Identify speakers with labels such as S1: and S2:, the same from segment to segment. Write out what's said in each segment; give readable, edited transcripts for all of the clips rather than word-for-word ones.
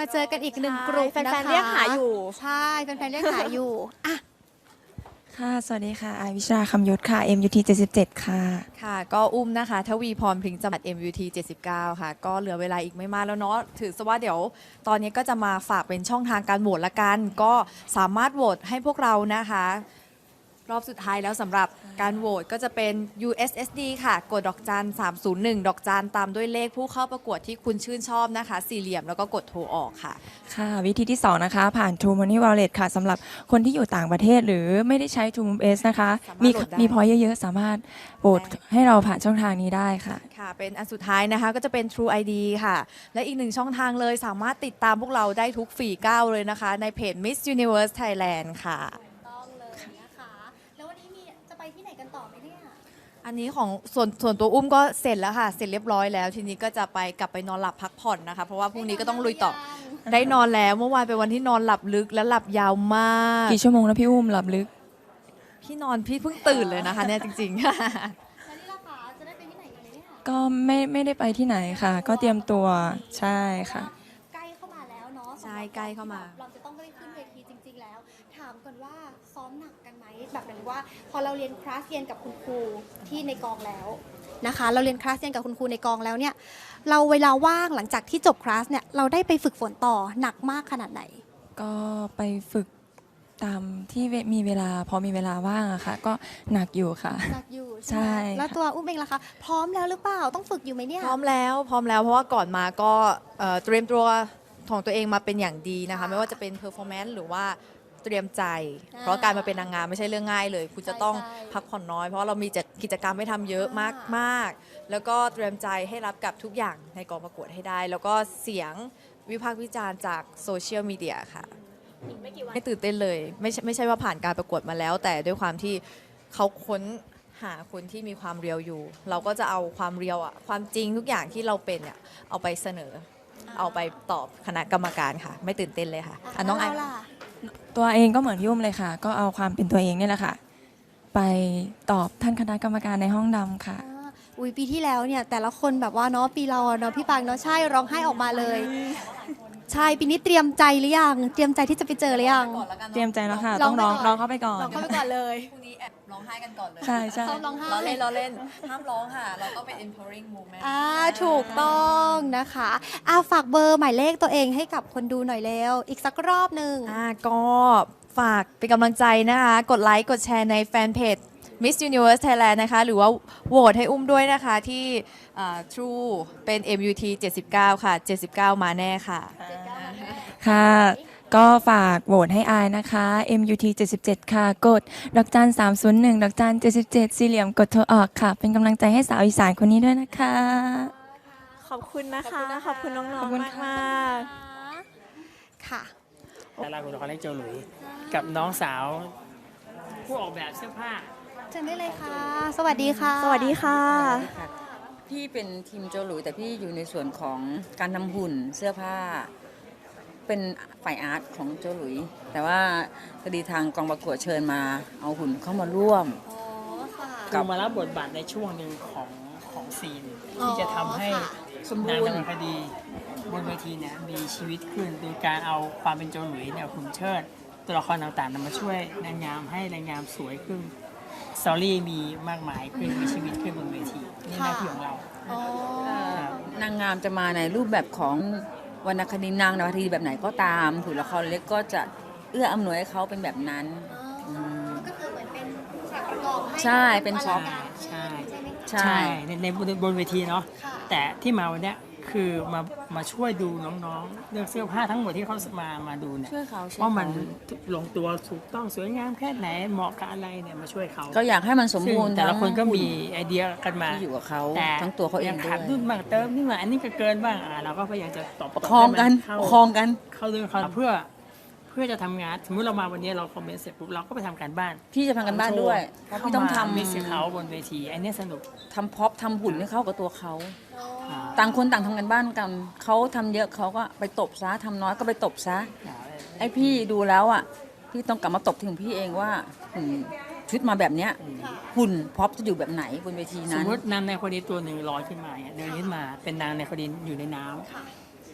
S1: มาเจอกันอีกหนึ่งกลุ่ม
S2: แฟ
S1: นะคะ
S2: นๆเรียกหาอยู่
S1: ใช่แฟนๆเรียกหาอยู่อ่ะ
S3: ค่ะ สวัสดีค่ะอายวิชราคำยุทธค่ะ MUT 77 ค่ะ
S2: ค่ะก็อุ้มนะคะทวีพรพริ้งจำกัด MUT 79 ค่ะ ก็เหลือเวลาอีกไม่มากแล้วเนาะถือซะว่าเดี๋ยวตอนนี้ก็จะมาฝากเป็นช่องทางการโหวตละกัน ก็สามารถโหวตให้พวกเรานะคะ รอบสุดท้ายแล้วสำหรับการโหวตก็จะเป็น USSD ค่ะ กดดอกจัน301 ดอกจันตามด้วยเลขผู้เข้าประกวดที่คุณชื่นชอบนะคะ สี่เหลี่ยมแล้วก็กดโทรออกค่ะ
S3: ค่ะ วิธีที่ 2 นะคะ ผ่าน True Money Wallet ค่ะสำหรับคนที่อยู่ต่างประเทศหรือไม่ได้ใช้ True S นะคะ
S2: สามารถ
S3: มี
S2: โหลดได้
S3: มีพอยเยอะๆ สามารถโหวตให้เราผ่านช่องทางนี้ได้ค่ะ
S2: ค่ะ เป็นอันสุดท้ายนะคะก็จะเป็น True ID ค่ะ และอีกหนึ่งช่องทางเลยสามารถติดตามพวกเราได้ทุกฝีก้าวเลยนะคะ ในเพจ Miss Universe Thailand ค่ะ
S1: ต้องเลยนะคะ แล้ววันนี้จะไปที่ไหนกันต่อไหมเนี่ย
S2: อันนี้ของส่วนตัวอุ้มก็เสร็จแล้วค่ะ เสร็จเรียบร้อยแล้ว ทีนี้ก็จะกลับไปนอนหลับพักผ่อนนะคะ เพราะว่าพรุ่งนี้ก็ต้องลุยต่อ ได้นอนแล้วเมื่อวานเป็นวันที่นอนหลับลึกและหลับยาวมาก
S3: กี่ชั่วโมงนะพี่อุ้มหลับลึก
S2: พี่เพิ่งตื่นเลยนะคะเนี่ยจริงๆ
S1: แล้วนี่ล่ะคะจะได้ไปที่ไหนกันเนี่ย
S3: ก็ไม่ได้ไปที่ไหนค่ะ ก็เตรียมตัวใช่ค่ะ
S1: ใกล้เข้ามาแล้วเนาะ
S2: ใช่ใกล้เข้ามา
S1: เราจะต้องได้ขึ้นเวทีจริง ๆ แล้ว ถามก่อนว่าซ้อมหนักกันไหมแบบหมายถึงว่า พอเราเรียนคลาสเรียนกับคุณครูที่ในกองแล้วนะคะ เราเรียนคลาสเรียนกับคุณครูในกองแล้วเนี่ย เราเวลาว่างหลังจากที่จบคลาสเนี่ยเราได้ไปฝึกฝนต่อหนักมากขนาดไหน
S3: ก็ไปฝึกตามที่มีเวลาพอมีเวลาว่างอะค่ะ ก็หนักอยู่ค่ะ
S1: หนักอยู่
S3: ใช่
S1: ใช่ไหมแล้วตัวอุ้มเองล่ะคะ พร้อมแล้วหรือเปล่าต้องฝึกอยู่ไหมเนี่ย
S2: พร้อมแล้วเพราะว่าก่อนมาก็เตรียมตัวของตัวเองมาเป็นอย่างดีนะคะ
S1: ค่ะ
S2: ไม่ว่าจะเป็นเพอร์ฟอร์แมนซ์หรือว่าเตรียมใจ
S1: อ่า
S2: เพราะการมาเป็นนางงามไม่ใช่เรื่องง่ายเลย คุณจะต้อง
S1: ใช่
S2: พักผ่อนน้อย เพราะเรามีกิจกรรมให้ทำเยอะมากๆ แล้วก็เตรียมใจให้รับกับทุกอย่างในกองประกวดให้ได้ แล้วก็เสียงวิพากษ์วิจารณ์จากโซเชียลมีเดียค่ะไม่ตื่นเต้นเลยไม่ใช่ว่าผ่านการประกวดมาแล้ว แต่ด้วยความที่เขาค้นหาคนที่มีความเรียวอยู่ เราก็จะเอาความเรียวอะความจริงทุกอย่างที่เราเป็นเนี่ยเอาไปเสนอ เอาไปตอบคณะกรรมการค่ะ ไม่ตื่นเต้นเลยค่ะอ่ะน้องไอ
S1: เาล่ะ
S3: ตัวเองก็เหมือนพี่อุ้มเลยค่ะ ก็เอาความเป็นตัวเองนี่แหละค่ะ ไปตอบท่านคณะกรรมการในห้องดำค่ะ
S1: อุ้ยปีที่แล้วเนี่ยแต่ละคนแบบว่าเนาะปีเราอะเนาะพี่ปางเนาะใช่ร้องไห้ออกมาเลย ใช่ปีนี้เตรียมใจหรือยังเตรียมใจที่จะไปเจอหรือยัง
S3: เตรียมใจแล้วค่ะ
S1: ร้
S3: ต้
S1: อ
S3: อง ง
S1: ไป
S3: ร้อง
S1: ก่อน
S3: ร้องเข้าไปก่อน
S1: ร้องเข้าไปก่อนเลย
S2: พรุ่งนี้แอบร้องไห้กันก่อนเลย
S3: ใช่ใช่
S1: เขาร้องไห้
S2: ล้อเล่นห้ามร้องค่ะ เราต้องเป็น empowering moment
S1: ถูกต้องนะคะฝากเบอร์หมายเลขตัวเองให้กับคนดูหน่อยเร็วอีกสักรอบหนึ่ง
S2: ก็ฝากเป็นกำลังใจนะคะ กดไลค์ กดแชร์ในแฟนเพจ Miss Universe Thailand นะคะ หรือว่าโหวตให้อุ้มด้วยนะคะที่True เป็น MUT 79 ค่ะ 79 มาแน่ค่ะ
S3: ค่ะ ก็ฝากโหวตให้อายนะคะ MUT 77 ค่ะ กดดอกจัน301 ดอกจัน77 สี่เหลี่ยมกดโทรออกค่ะ เป็นกำลังใจให้สาวอีสานคนนี้ด้วยนะคะ
S2: ขอบคุณนะคะ ขอบคุณน้
S3: ข
S2: อ
S3: อบ
S2: ง
S3: คุณ
S2: ๆ มาก
S1: ค่ะ
S4: ดาราคุณละครเล็กโจหลุยกับน้องสาวผู้ออกแบบเสื้อผ้า
S1: เชิญได้เลยค่ะ สวัสดีค่ะ
S2: สวัสดีค่ะ
S5: ค่ะพี่เป็นทีมโจหลุยแต่พี่อยู่ในส่วนของการทำหุ่นเสื้อผ้า เป็นฝ่ายอาร์ตของโจหลุย แต่ว่าพอดีทางกองประกวดเชิญมาเอาหุ่นเข้ามาร่วม
S1: อ๋อ ค่ะ
S4: คือมารับบทบาทในช่วงหนึ่งของซีน ที่จะทำให้
S1: ค่ะ
S5: สมบู
S4: นาง
S5: ร
S4: ดำ
S5: ณ์
S4: เนินคดีบนเวทีเนี่ยมีชีวิตขึ้นโดยการเอาความเป็นโจหลุยเนี่ยหุ่นเชิด ตัวละครต่างๆนำมาช่วยนางงามให้นางงามสวยขึ้นสตอรี่มีมากมายขึ้นมีชีวิตขึ้นบนเวทีนี่หน้าที่ของเรา
S1: อ๋อ
S5: นางงามจะมาในรูปแบบของวรรณคดีนางนวคดีแบบไหนก็ตามถูกละครเล็กก็จะเอื้ออำนวยให้เขาเป็นแบบนั้น
S1: ก็คือเหมือนเป็นฉากประกอบให้
S5: ใช่เป็นช็อป
S4: ใช่
S1: ใช่ไหมคะ
S5: ใช่
S4: ในบนเวทีเนาะ
S1: ค่ะ
S4: แต่ที่มาวันเนี้ยคือมาช่วยดูน้องๆเลือกเสื้อผ้าทั้งหมดที่เขามาดูเนี่ย
S5: ช่วยเขาช่วย
S4: ว่ามัน
S5: เขา
S4: ลงตัวถูกต้องสวยงามแค่ไหนเหมาะกับอะไรเนี่ยมาช่วยเขา
S5: ก็อยากให้มันสม
S4: ซึ่ง
S5: บูรณ์
S4: แต่ละคนก็
S5: ทั้ง
S4: มีไอเดียกันมา
S5: ที่อยู่กับเขา
S4: แต่
S5: ทั้งตัวเขาเอง
S4: ย
S5: ด้ว
S4: ขาด
S5: ย
S4: นู่นบ้างเติมนี่มาอันนี้ก็เกินบ้างเราก็พยายามจะตบ
S5: ประคองกัน
S4: ให้
S5: ป
S4: มั
S5: ระคองกัน
S4: เข้าเรื่องเขาเพื่อจะทำงานสมมติเรามาวันนี้เราคอมเมนต์เสร็จปุ๊บเราก็ไปทำการบ้าน
S5: พี่จะทำกันบ้านด้วยเพราะ
S4: เข้า
S5: พี่ต้อง
S4: มา
S5: ทำ
S4: มิกซ์กับเขาบนเวทีอันเนี้ยสนุก
S5: ทำพ็อปทำหุ่นให้เข้ากับตัวเขา
S4: อ่า
S5: ต่างคนต่างทำกันบ้านกันเขาทำเยอะเขาก็ไปตบซะทำน้อยก็ไปตบซะไอพี่ดูแล้วอ่ะพี่ต้องกลับมาตบถึงพี่เองว่าชุดมาแบบเนี้ยหุ่นพ็อปจะอยู่แบบไหนบนเวที
S4: ส
S5: นั้
S4: ม
S5: น
S4: มตินางในคนนี้ตัวหนึ่งลอยขึ้นมาเนี่ยเดินขึ้นมาเป็นนางในคนนี้อยู่ในน้ำ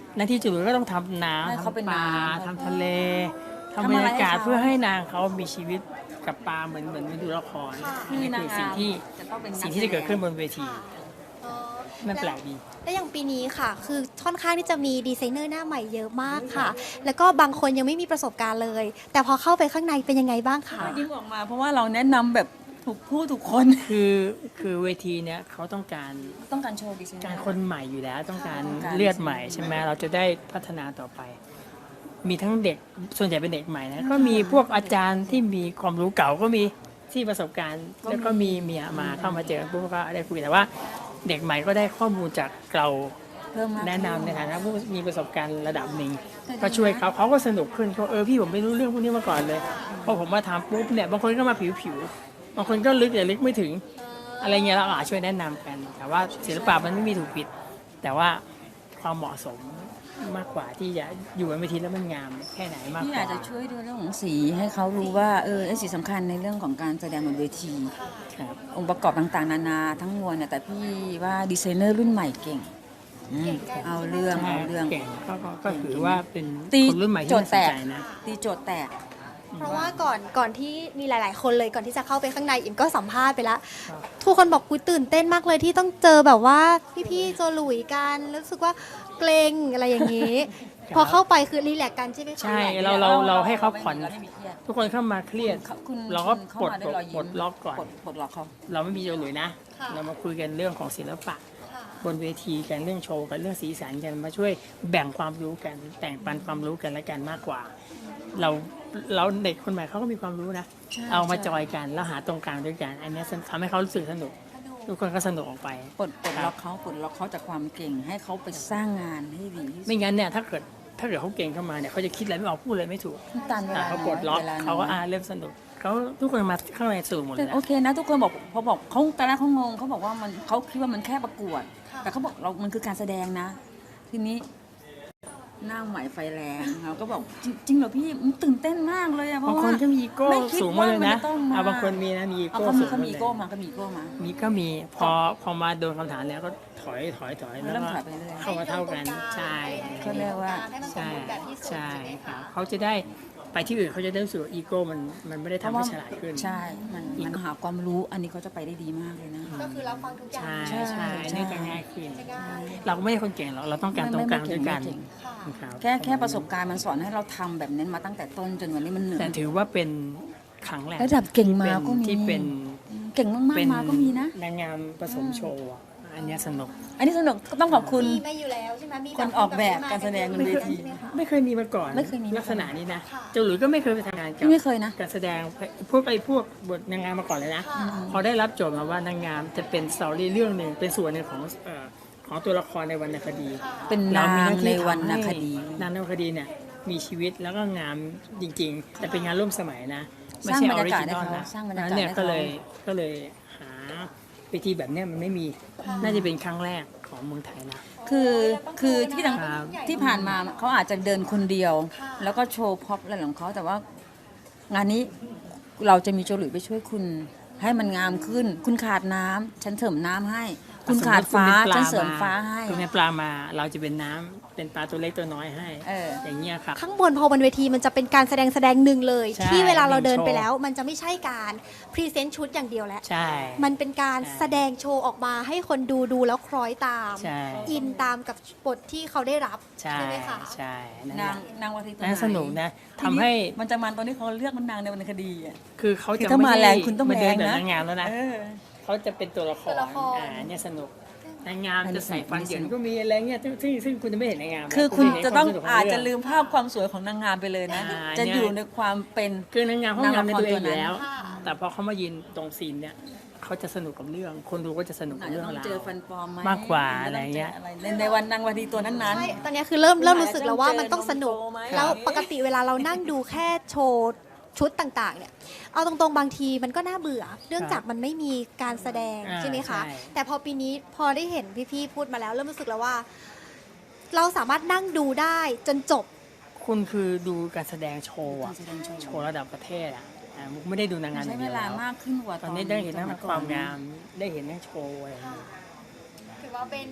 S4: หน้าที่จุ๋ยก็ต้องทำน้ำ
S5: ให้เขาเป็น
S4: ทำปลา
S5: น้ำ
S4: ทำทะเล
S5: ทำ
S4: ทำบรรยากาศ
S5: อะไรให้เขา
S4: เพื่อให้นางเขามีชีวิตกับปลาเหมือนดูละคร
S1: ค่ะ
S4: นี่คือสิ่งที่
S5: จะต้องเป็นนัก
S4: สิ่งที่จะเกิดขึ้นบนเวที
S1: ค่ะอ๋อ
S4: มันแปลกดี
S1: และอย่างปีนี้ค่ะ คือค่อนข้างที่จะมีดีไซเนอร์หน้าใหม่เยอะมากค่ะ แล้วก็บางคนยังไม่มีประสบการณ์เลย แต่พอเข้าไปข้างในเป็นยังไงบ้างคะ
S5: ยิ้มออกมาเพราะว่าเราแนะนำแบบถูกผู้ถูกคน
S4: คือเวทีเนี้ยเขาต้องการ
S5: ต้องการโชว์ดีไซน์
S4: การคนใหม่อยู่แล้วต้องการ
S5: ต้องการ
S4: เลือดใหม่ใช่ไหมเราจะได้พัฒนาต่อไป มีทั้งเด็กส่วนใหญ่เป็นเด็กใหม่นะก็มีพวกอาจารย์ที่มีความรู้เก่าก็มีที่ประสบการณ์ แล้วก็มีเมียมาเข้ามาเจอปุ๊บก็ได้คุยแต่ว่าเด็กใหม่ก็ได้ข้อมูลจากเรา
S5: เพิ่มมาก
S4: แนะนำในฐานะผู้มีประสบการณ์ระดับหนึ่งก็ช่วยเขาก็สนุกขึ้นเขาพี่ผมไม่รู้เรื่องพวกนี้มาก่อนเลยพอผมมาทำปุ๊บเนี่ยบางคนก็มาผิวบางคนก็ลึกแต่ลึกไม่ถึง อะไรเงี้ยเราอาจช่วยแนะนำกัน แต่ว่าศิลปะมันไม่มีถูกผิด แต่ว่าความเหมาะสมมากกว่าที่จะอยู่บนเวทีแล้วมันงามแค่ไหนมาก
S5: พี่
S4: กว่า
S5: อาจจะช่วยดูเรื่องของสีให้เขารู้ว่าไอ้สีสำคัญในเรื่องของการแสดงบนเวที
S4: ครับ
S5: องค์ประกอบต่างๆนานาทั้งมวลเนี่ยแต่พี่ว่าดีไซเนอร์รุ่นใหม่เก่งเอาเรื่อง
S4: เก่งก็ถือว่าเป็น
S5: ตี
S4: คนรุ่นใหม่ที่
S5: โจท
S4: น่า
S5: ย์
S4: ส
S5: แต
S4: น
S5: ก
S4: ใจนะ
S5: ตีโจทย์แตก
S1: เพราะว่าก่อนที่มีหลาย ๆ คนเลยก่อนที่จะเข้าไปข้างในอิมก็สัมภาษณ์ไปแล้ว ทุกคนบอกคุยตื่นเต้นมากเลยที่ต้องเจอแบบว่าพี่ๆโจหลุยกันรู้สึกว่าเกรงอะไรอย่างนี้
S4: ครับ
S1: พอเข้าไปคือรีแลกซ์กันใช่ไหมคะ
S4: ใช่เราให้เขาผ่อน
S5: เราไม่มีเครียด
S4: ทุกคนเข้ามาเครียด
S5: คุณ
S4: เราก็
S5: คุณเข้า
S4: ปลด
S5: มาด้วยรอยยิ้ม
S4: ปลดล็อกก่อน
S5: ปลดล็อกเขา
S4: เราไม่มีโจหลุยนะ
S1: ค่ะ
S4: เรามาคุยกันเรื่องของศิลปะ
S1: ค่ะ
S4: บนเวทีกันเรื่องโชว์กันเรื่องสีสันกันมาช่วยแบ่งความรู้กันแต่งปันความรู้กันและกันมากกว่า เราเด็กคนใหม่เขาก็มีความรู้นะ เอามาจอยกันแล้วหาตรงกลางด้วยกัน อันเนี้ยทำให้เขารู้สึกสนุก ทุกคนก็สนุกออกไป
S5: ปลดล็อกเขาจากความเก่งให้เขาไปสร้างงานให้ดีที่สุด
S4: ไม่งั้นเนี่ยถ้าเกิดเขาเก่งเข้ามาเนี่ยเขาจะคิดอะไรไม่ออกพูดอะไรไม่ถูก
S5: ตันเวลา
S4: เขาปลดล็อก
S5: วน้ย
S4: เขาก็เริ่มสนุกเขาทุกคนมาข้างในสนุกหมดเล
S5: แต่
S4: ยนะ
S5: โอเคนะทุกคนบอกพอบอกเขาตอนแรกเขางงเขาบอกว่ามันเขาคิดว่ามันแค่ประกวด แต่เขาบอกมันคือการแสดงนะ ทีนี้หน้าใหม่ไฟแรงเราก็บอกจริงเหรอพี่มันตื่นเต้นมากเลยอะเพ
S4: บาง
S5: ราะ
S4: ค
S5: ว่าน
S4: ก็มีอีโก้
S5: ไม่คิด
S4: สูงมาเลย
S5: ว่ามั
S4: นะ
S5: จะต้องมา
S4: บางคนมีนะมีอี
S5: เอา
S4: โก้
S5: เขา
S4: สู
S5: มี
S4: ง
S5: เขามี
S4: เล
S5: อี
S4: ย
S5: โก้มาก็มีอีโก้มา
S4: มีก็มีพอมาโดนคำถามแล้วก็ถอยแล้ว
S5: เริ่ม
S4: ก็
S5: ถอยไปเรื่อย
S4: เข้ามาเท่ากันใช่
S5: เขาเรียกว่า
S1: ให้มันสม
S4: ใช่
S1: บูรณ์แบบที่สุด
S4: ใช่
S1: ใช่ไหม
S4: ครั
S1: คะ
S4: บเขาจะได้ไปที่อื่นเขาจะได้รู้สึกว่าอีโก้มันไม่ได้ทำให้ฉลาดขึ้น
S5: ใช่มันหาความรู้อันนี้เขาจะไปได้ดีมากเลยนะ
S1: ก็คือเราฟังทุกอย่าง
S4: ใช่
S5: ใช่
S4: อันนี้จะง่ายขึ้น
S1: จะง่าย
S4: เราก็ไม่ใช่คนเก่งหรอกเราต้องการตรงกลางด้วยกัน
S5: ไม่เก่ง
S1: ค่ะ
S4: ครับ
S5: แค่ประสบการณ์มันสอนให้เราทำแบบนั้นมาตั้งแต่ต้นจนวันนี้มันเหนื่อ
S4: แต่
S5: ย
S4: ถือว่าเป็นครั้งแรก
S5: ระดับเก่งมาก็มี
S4: ที่เป็น
S5: เก่งมากๆมาก็มีนะ
S4: นางงามผสมโชว์อะอันเนี้ยสนุก
S5: อันนี้สนุกก็ต้องขอบคุณ
S1: มีมาอยู่แล้วใช่ไหมมี
S5: คนออกแบบการแสดงบนเวที
S1: ใช่ไหมคะ
S4: ไม่เคยมีมาก่อน
S5: ไม่เคยมีมาก่อน
S4: ลักษณะนี้นะ
S1: ค่ะ
S4: เจ้าหลุยส์ก็ไม่เคยไปทำงานกับ
S5: พี่ไม่เคยนะ
S4: การแสดงพวกบทนางงามมาก่อนเลยนะ
S1: ค่ะ
S4: พอได้รับโจทย์มาว่านางงามจะเป็นสตอรี่เรื่องหนึ่งเป็นส่วนหนึ่งของตัวละครในวรรณคดี
S5: เป็นนางในวรรณคดี
S4: นางในวรรณคดีเนี่ยมีชีวิตแล้วก็งามจริง ๆ แต่เป็นงานร่วมสมัยนะไม่
S5: สร้าง
S4: ใช่
S5: บร
S4: ออ
S5: ร
S4: ริ
S5: ยากาศ
S4: จิ
S5: ให้
S4: นอล
S5: เขา
S4: นะ
S5: สร้างบรรยากาศ
S4: นั้นเนี่ย
S5: ให้
S4: ก็
S5: เขา
S4: เลยหาเวทีแบบเนี้ยมันไม่มีน่าจะเป็นครั้งแรกของเมืองไทยนะ
S5: คือที่ต่าง
S4: ครับ
S5: ที่ผ่านมาเขาอาจจะเดินคนเดียว
S1: ค่ะ
S5: แล้วก็โชว์พ็อปอะไรของเขาแต่ว่างานนี้เราจะมีโจหลุยไปช่วยคุณให้มันงามขึ้น คุณขาดน้ำฉันเสริมน้ำให้ คุณขาดฟ้า
S4: สมมุติคุณ
S5: ฉัน
S4: ป็
S5: เสริมฟ้าให้
S4: คุณเป็นปลามาเราจะเป็นน้ำเป็นปลาตัวเล็กตัวน้อยให้
S5: เออ
S4: อย่างเงี้ยครับ
S1: ข้างบนพอบนเวทีมันจะเป็นการแสดงหนึ่งเลย
S4: ใช่
S1: ที่เวลาเราเดิน
S4: หนึ่งโชว์
S1: ไปแล้ว มันจะไม่ใช่การพรีเซนต์ชุดอย่างเดียวแล้ว
S4: ใช่
S1: มันเป็นการ
S4: ใช่
S1: แสดงโชว์ออกมาให้คนดูแล้วคล้อยตาม
S4: ใช่
S1: อินตามกับบทที่เขาได้รับ
S4: ใช่
S1: ไหมคะ
S4: ใช่นั่นแห
S5: นา
S4: ละ
S5: งนางวัทีตัว
S4: น่า
S5: ไห
S4: สนุกนะทำให้
S5: มันจะมันตอนที่เขาเลือกมันนางในวรรณคดีอ่ะ
S4: คือเขา
S5: คือ
S4: จะ
S5: ถ้า
S4: ไม่
S5: มา
S4: ได้
S5: แรงคุณต้อง
S4: มาเดิน
S5: แรง
S4: แบบ
S5: นะ
S4: นางงามแล้วนะ
S5: เออ
S4: เขาจะเป็นตัวละคร
S1: ตัวละคร
S4: เนี่ยสนุกนางงาม
S5: อันนี้
S4: จะใส่
S5: สนุก
S4: ฟันเหยินก็มีอะไรเงี้ยซึ่งคุณจะไม่เห็นนางงามนะ
S5: คือคุณ
S4: เห็น
S5: จะต้อง
S4: วามสนุกข
S5: อาจจะ
S4: เรื่ง
S5: ลืมภาพความสวยของนางงามไปเลยนะ จะอยู่ในความเป็น
S4: คือนางงามเขางามในตัวเองอยู่แล้ว
S1: ค่ะ
S4: แต่พอเขามายืนตรงซีนเนี่ยเขาจะสนุกกับเรื่อง คนดูก็จะสนุก
S5: อา
S4: กับ
S5: จจะ
S4: เรื่อง
S5: ต้อง
S4: ราว
S5: เจอฟันปลอมไหม
S4: มากกว่าอะไรเงี้ย
S5: ในวันนางวัทีตัวนั้น
S1: ใช่ตอนนี้คือเริ่มรู้สึกแล้วว่ามันต้องสนุก แล้วปกติเวลาเรานั่งดูแค่โชว์ชุดต่างๆ เนี่ย เอาตรงๆบางทีมันก็น่าเบื่อ เนื่องจากมันไม่มีการแสดง
S4: อ่า
S1: ใช่ไหมคะ
S4: ใช่
S1: แต่พอปีนี้พอได้เห็นพี่ๆพูดมาแล้วเริ่มรู้สึกแล้วว่า เราสามารถนั่งดูได้จนจบ
S4: คุณคือดูการแสดงโชว์อะ
S5: การแสดงโชว์
S4: โชว์ระดับประเทศอ่ะมุกไม่ได้ดูนางงามอ
S5: ใช้
S4: ย่าง
S5: เว
S4: เดียว
S5: ลา
S4: แล้ว
S5: มากขึ้นกว่า
S4: ตอนนี้ได้เห็นทั้งความงามได้เห็นทั้งโชว์อะไรอย่างเงี้ย
S1: ถือว่าเป็น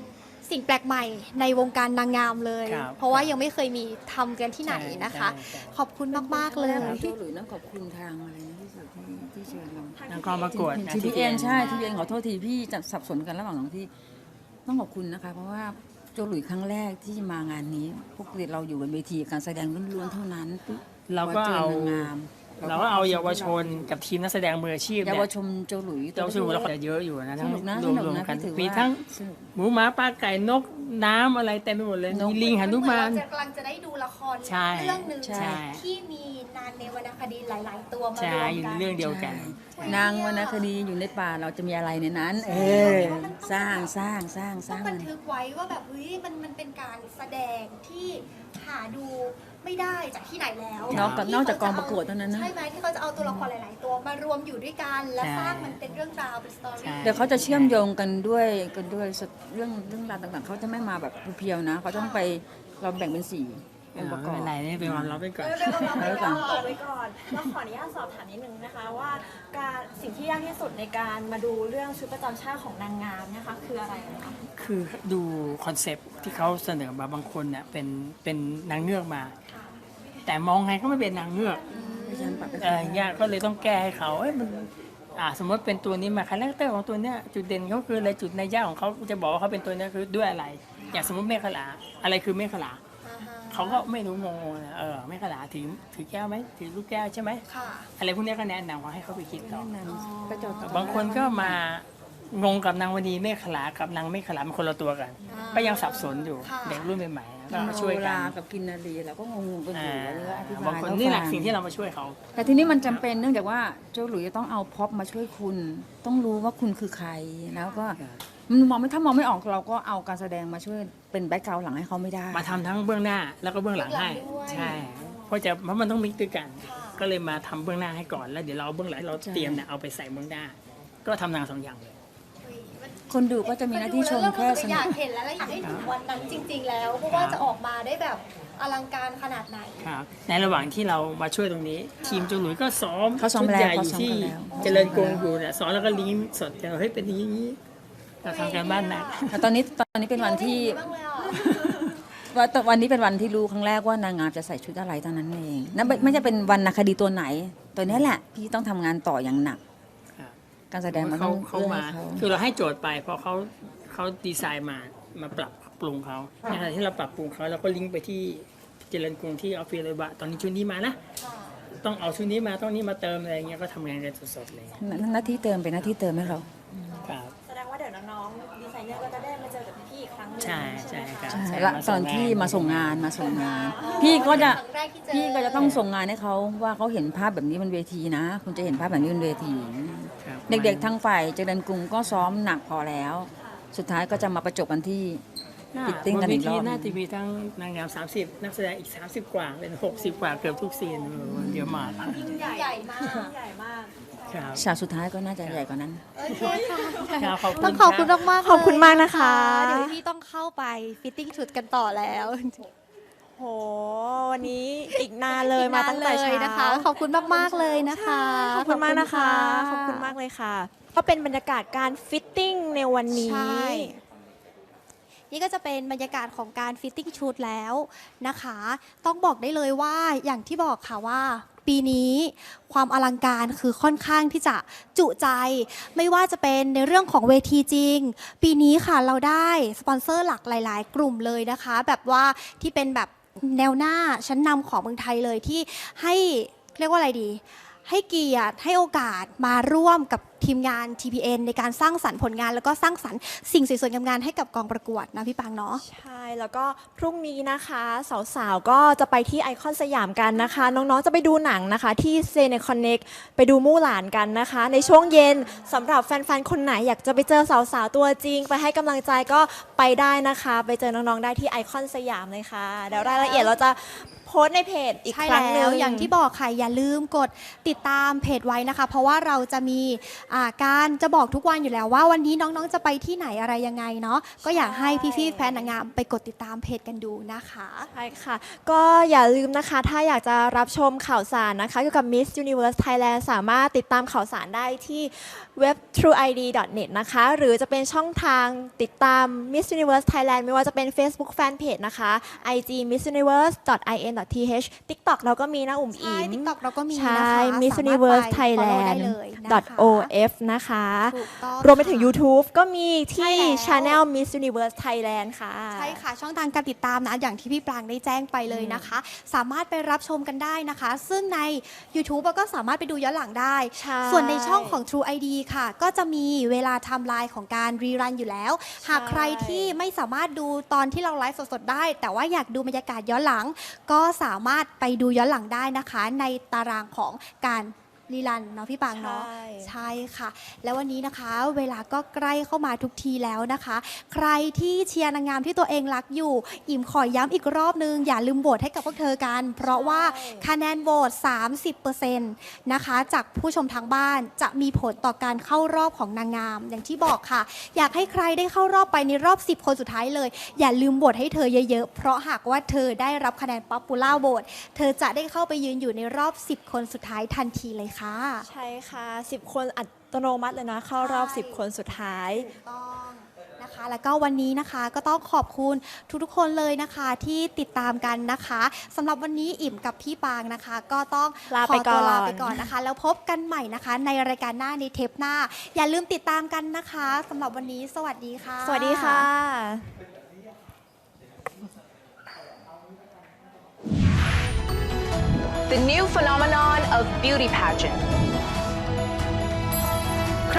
S1: สิ่งแปลกใหม่ในวงการนางงามเลย
S4: ครับ
S1: เพราะว่ายังไม่เคยมีทำกันที่ไหนนะคะ
S4: ใช่
S1: ขอบคุณมากๆเลย
S5: โจหลุยต้องขอบคุณทางอะไรนะที่สุดที่เชิญเรา
S4: นางกองประกวดนะ
S5: ทีพีเอ็นใช่ทีพีเอ็นขอโทษทีพี่จะสับสนกันระหว่างสองที่ต้องขอบคุณนะคะ เพราะว่าโจหลุยครั้งแรกที่มางานนี้พวกเราอยู่บนเวทีการแสดงล้วนๆเท่านั้น
S4: เราก็เอา
S5: จนงาม
S4: เราก็เอาเยาวชนกับทีมนักแสดงมืออาชีพ
S5: เยา
S4: เนี่
S5: วย ชนโจหลุย
S4: เยาวชนเราก็เยอะอยู่นะ
S5: ส
S4: ทั้ง
S5: นุกนะ
S4: ร
S5: ส
S4: วม
S5: นุก
S4: รวม
S5: นะ
S4: กัน
S5: พี่ถือ
S4: มี
S5: ว่า
S4: ทั้ง
S5: สนุก
S4: หมูหมาปลาไก่นกน้ำอะไรเต็มไปหมดเลย
S5: นก
S4: มีลิงหนุมาน
S1: เรกำลังจะได้ดูละคร
S4: ใช่
S1: เรื่องหนึ่ง
S5: ใช่
S1: ที่มีนางในวรรณคดีหลาย ๆ ตัวมาร
S4: ใช่
S1: วม
S4: อยู่
S1: กั
S4: ใน
S1: น
S4: เรื่องเดียวกัน
S5: นางวรรณคดีอยู่ในป่าเราจะมีอะไรในนั้น สร้างสร้างสร้างส
S1: ต้อ
S5: ร้าง ง
S1: บั
S5: มัน น
S1: ทึกไว้ว่าแบบเฮ้ยมันเป็นการแสดงที่หาดูไม่ได้จากที่ไหนแล้ว
S5: นอกจากกองประกวดเท่านั้นนะ
S1: ใช่ไหมที่เขาจะเอาตัวละครหลาย ๆ ตัวมารวมอยู่ด้วยกัน และ
S4: ใช่
S1: สร้างมันเป็นเรื่องราวเป็นสตอ
S4: ใช่
S1: รี่
S5: เดี๋ยวเขาจะเชื่อมโยงกันด้วยเรื่องราวต่างๆเขาจะไม่มาแบบเพียวๆนะเขาต้องไปเราแบ่งเป็น4องค์ประก
S4: ไม่
S5: อบ
S4: เป็นไรนี่เป็นความลับไปก่อน
S5: แล้วก่อน
S6: เอาไว้ก่อนเราขออนุญาตสอบถามนิดนึงนะคะว่าการสิ่งที่ยากที่สุดในการมาดูเรื่องชุดประจำชาติของนางงามเนะคะคืออะไรนะคะ
S4: คือดูคอนเซปต์ที่เขาเสนอมาบางคนเนี่ยเป็นนางเงือกมา แต่มองไงก็ไม่เป็นนางเงือก
S5: ดิฉันปรับไป
S4: ยากก็เลยต้องแก้ให้เขามันสมมติเป็นตัวนี้มาคาแรคเตอร์ของตัวเนี้ยจุดเด่นเขาคืออะไรจุดในยยากของเขาจะบอกว่าเขาเป็นตัวเนี้ยคือด้วยอะไร อย่างสมมติเมฆลาอะไรคือเมฆลาเขาก็ไม่รู้งงๆนะเมฆลาถือแก้วไหมถือลูกแก้วใช่ไหม
S1: ค่ะ
S4: อะไรพวกเนี้ยก็แนะนำเขาให้เขาไปคิดต่อ
S5: ไปจด
S4: บางคนก็มางงกับนางวดีเมฆลากับนางเมฆลาเป็นคนละตัวกัน ก็ยังสับสนอยู่
S1: ค่ะ
S4: เด็กรุ่นใหม่ๆก็มา
S5: ช่
S4: ช่
S5: ว
S4: วย ย
S5: กั
S4: กัน น
S5: กับกินนารีเราก็งงๆกันอยู่ว่าเรื่องอธิบาย
S4: บางคนนี่แหละสิ่งที่เรามาช่วยเขา
S5: แต่ทีนี้มันจำเป็นเนื่องจากว่าโจหลุยจะต้องเอาพ็อปมาช่วยคุณ ต้องรู้ว่าคุณคือใครแล้วก็มันมองไม่ถ้ามองไม่ออกเราก็เอาการแสดงมาช่วยเป็นแบ็คกราวด์หลังให้เขาไม่ได้
S4: มาทำทั้งเบื้องหน้าแล้วก็เบื้องหลังให้
S1: เบื้องหลังด้วย
S4: ใช่เพราะมันต้องมิกซ์ด้วยกัน ก็เลยมาทำเบื้องหน้าให้ก่อนแล้วเดี๋ยวเราเอาเบื้องหลังเราเตรียมเนี่ยเอาไปใส่เบื้องหน้า ก็ทำงาน2 อย่างเลย
S5: คนดูก็จะมีหน้าที่ชมแค่ส
S1: อ
S5: นุ
S1: ยาก กเห็นแล้วอยากให้ถึงวันนั้นจริง ๆ แล้ว เพราะว่าจะออกมาได้แบบอลังการขนาดไหน
S4: ครับในระหว่างที่เรามาช่วยตรงนี้ ทีมจูหลุยก็ซ้อม
S5: เขาซ้อม
S4: ชุด
S5: แล้ว
S4: ใหญ่อ
S5: เขา
S4: ยู่
S5: ซ้อม
S4: ที่
S5: กันแล้ว
S4: เจริญกรุงอยู่เนี่ยซ้อมแล้วก็ลิงก์สดกันเฮ้ยเป็นอย่างนี้เราทำการบ้านหนัก
S5: แต่ตอนนี้เป็นวันที่
S1: บ้างเลยอ่ะ
S5: วันนี้เป็นวันที่รู้ครั้งแรกว่านางงามจะใส่ชุดอะไรเท่านั้นเองนั่นไม่ใช่เป็นวรรณคดีตัวไหน ตัวนี้แหละพี่ต้องทำงานต่ออย่างหนัก
S4: ครับ
S5: การแสดงมันต้อง
S4: เขา
S5: เอื้อ
S4: มา
S5: ให้เขา
S4: คือเราให้โจทย์ไปเพราะเขาดีไซน์มาปรับปรุงเขาในขณะที่เราปรับปรุงเขาเราก็ลิงก์ไปที่เจริญกรุงที่ออฟฟิศเลยว่าตอนนี้ชุดนี้มานะต้องเอาชุดนี้มาต้องนี้มาเติมอะไรเงี้ยก็ทำงานกันสดๆเลย
S5: หน้าที่เติมเป็นหน้าที่เติมให้เรา
S4: ครับ
S6: แสดงว่าเดี๋ยวน้องๆดีไซเนอร์ก็จะได้มาเจอกับพี่อีกครั้งหนึง
S4: ใช่
S6: ใช่ไหม
S4: ครั
S6: คะ
S4: บ
S5: ใช่
S4: ใช่
S5: และ
S4: มา
S5: ต
S4: ส่
S5: อน
S4: งงาน
S5: ที่มาส่งงานพี่ก็จะ
S1: ครั้งแรกที่เจอ
S5: พี่ก็จะต้องส่งงานให้เขาว่าเขาเห็นภาพแบบนี้บนเวทีนะ คุณจะเห็นภาพแบบนี้บนเวที
S4: ครับ
S5: เด็กๆทางฝ่ายเจริญกรุงก็ซ้อมหนักพอแล้ว สุดท้ายก็จะมาประจบกันที่ ฟิตติ้งกันอีกรอบ
S4: บนเวทีน่าจะมีทั้งนางงาม30 นักแสดงอีก30 กว่าเป็น60 กว่าเกือบทุกซีนเยอะมาก
S1: ใหญ่มาก
S6: ใหญ่มาก
S4: ครับ
S5: ฉากสุดท้ายก็น่าจะใหญ่กว่านั้น
S1: โอเคค่ะ
S4: ครับขอบคุณ
S1: ต้องขอบคุณมากๆ
S6: ขอบคุณมากนะคะ
S1: เดี๋ยวพี่ต้องเข้าไปฟิตติ้งชุดกันต่อแล้ว
S6: โหวันนี้อีกนานเลยมาตั้งแต่
S1: เล
S6: เช้าย
S1: นะคะ ขอบคุณมากๆเลยนะคะ
S6: ขอบคุณมากนะคะ ขอบคุณมากเลยค่ะ ก็เป็นบรรยากาศการฟิตติ้งในวันนี้
S1: ใช่ นี่ก็จะเป็นบรรยากาศของการฟิตติ้งชุดแล้วนะคะ ต้องบอกได้เลยว่าอย่างที่บอกค่ะว่า ปีนี้ความอลังการคือค่อนข้างที่จะจุใจ ไม่ว่าจะเป็นในเรื่องของเวทีจริง ปีนี้ค่ะเราได้สปอนเซอร์หลักหลาย ๆ กลุ่มเลยนะคะ แบบว่าที่เป็นแบบแนวหน้าชั้นนำของเมืองไทยเลยที่ให้เรียกว่าอะไรดี ให้เกียรติให้โอกาสมาร่วมกับทีมงาน TPN ในการสร้างสรรค์ผลงาน แล้วก็สร้างสรรค์สิ่งสวยๆงามๆให้กับกองประกวดนะพี่ปังเนาะ
S6: ใช่แล้วก็พรุ่งนี้นะคะสาวๆก็จะไปที่ไอคอนสยามกันนะคะ น้องๆจะไปดูหนังนะคะที่เซเนคอนเน็กไปดูมู่หลานกันนะคะ ในช่วงเย็นสำหรับแฟนๆคนไหนอยากจะไปเจอสาวๆตัวจริง ไปให้กำลังใจก็ไปได้นะคะ ไปเจอน้องๆได้ที่ไอคอนสยามเลยค่ะเดี๋ยวรายละเอียดเราจะโพสต์ในเพจอีก
S1: ใช่
S6: ครั้งหนึ่
S1: แล้
S6: ง
S1: วอย่างที่บอกค่ะอย่าลืมกดติดตามเพจไว้นะคะ เพราะว่าเราจะมีการจะบอกทุกวันอยู่แล้วว่าวันนี้น้องๆจะไปที่ไหนอะไรยังไงเนาะก็อยากให้พี่ๆแฟนนางงามไปกดติดตามเพจกันดูนะคะ
S6: ใช่ค่ะ ก็อย่าลืมนะคะ ถ้าอยากจะรับชมข่าวสารนะคะเกี่ยวกับ Miss Universe Thailand สามารถติดตามข่าวสารได้ที่เว็บ trueid.net นะคะ หรือจะเป็นช่องทางติดตาม Miss Universe Thailand ไม่ว่าจะเป็น Facebook Fanpage นะคะ IG missuniverse.in.th TikTok เราก็มีนะอุ๋ม
S1: ใช่
S6: อิ๋ม
S1: TikTok เราก็มี
S6: ใช่
S1: นะคะ
S6: Miss
S1: สามารถ
S6: Universe
S1: ไป follow ได้
S6: Thailand
S1: เลยนะคะ
S6: .of นะคะ
S1: ถูกต้อง
S6: รวมไปถึง
S1: ค่ะ
S6: YouTube ก็มีที่
S1: ใช่แล้ว
S6: Channel Miss Universe Thailand ค่ะ
S1: ใช่ค่ะ ช่องทางการติดตามนะ อย่างที่พี่ปรางได้แจ้งไปเลยนะคะ สามารถไปรับชมกันได้นะคะ ซึ่งใน YouTube ก็สามารถไปดูย้อนหลังได้
S6: ใช่
S1: ส่วนในช่องของ True ID ค่ะ ก็จะมีเวลาไทม์ไลน์ของการรีรันอยู่แล้ว หากใครที่ไม่สามารถดูตอนที่เราไลฟ์สดๆได้ แต่ว่าอยากดูบรรยากาศย้อนหลัง ก็สามารถไปดูย้อนหลังได้นะคะ ในตารางของการรีรันเนาะพี่ปางเนาะ
S6: ใช่
S1: ใช่ค่ะ แล้ววันนี้นะคะ เวลาก็ใกล้เข้ามาทุกทีแล้วนะคะ ใครที่เชียร์นางงามที่ตัวเองรักอยู่ อิ่มขอย้ำอีกรอบนึง อย่าลืมโหวตให้กับพวกเธอกัน เพราะว่าคะแนนโหวต 30% นะคะ จากผู้ชมทางบ้านจะมีผลต่อการเข้ารอบของนางงาม อย่างที่บอกค่ะ อยากให้ใครได้เข้ารอบไปในรอบ 10 คนสุดท้ายเลย อย่าลืมโหวตให้เธอเยอะๆ เพราะหากว่าเธอได้รับคะแนน Popular Vote เธอจะได้เข้าไปยืนอยู่ในรอบ 10 คนสุดท้ายทันทีเลยค่ะ
S6: ใช่ค่ะ 10 คนอัตโนมัติเลยนะ เข้ารอบ
S1: ใช่
S6: 10 คนสุดท้าย
S1: ถูกต้องนะคะ แล้วก็วันนี้นะคะก็ต้องขอบคุณทุกๆคนเลยนะคะที่ติดตามกันนะคะสำหรับวันนี้อิ่มกับพี่ปางนะคะ ก็ต้อง
S6: ลา
S1: ข
S6: ไป
S1: อตัว
S6: ก่อน
S1: ลาไปก่อนนะคะ แล้วพบกันใหม่นะคะ ในรายการหน้าในเทปหน้า อย่าลืมติดตามกันนะคะสำหรับวันนี้สวัสดีค่ะ
S6: สวัสดีค่ะ
S7: The new phenomenon of beauty pageant.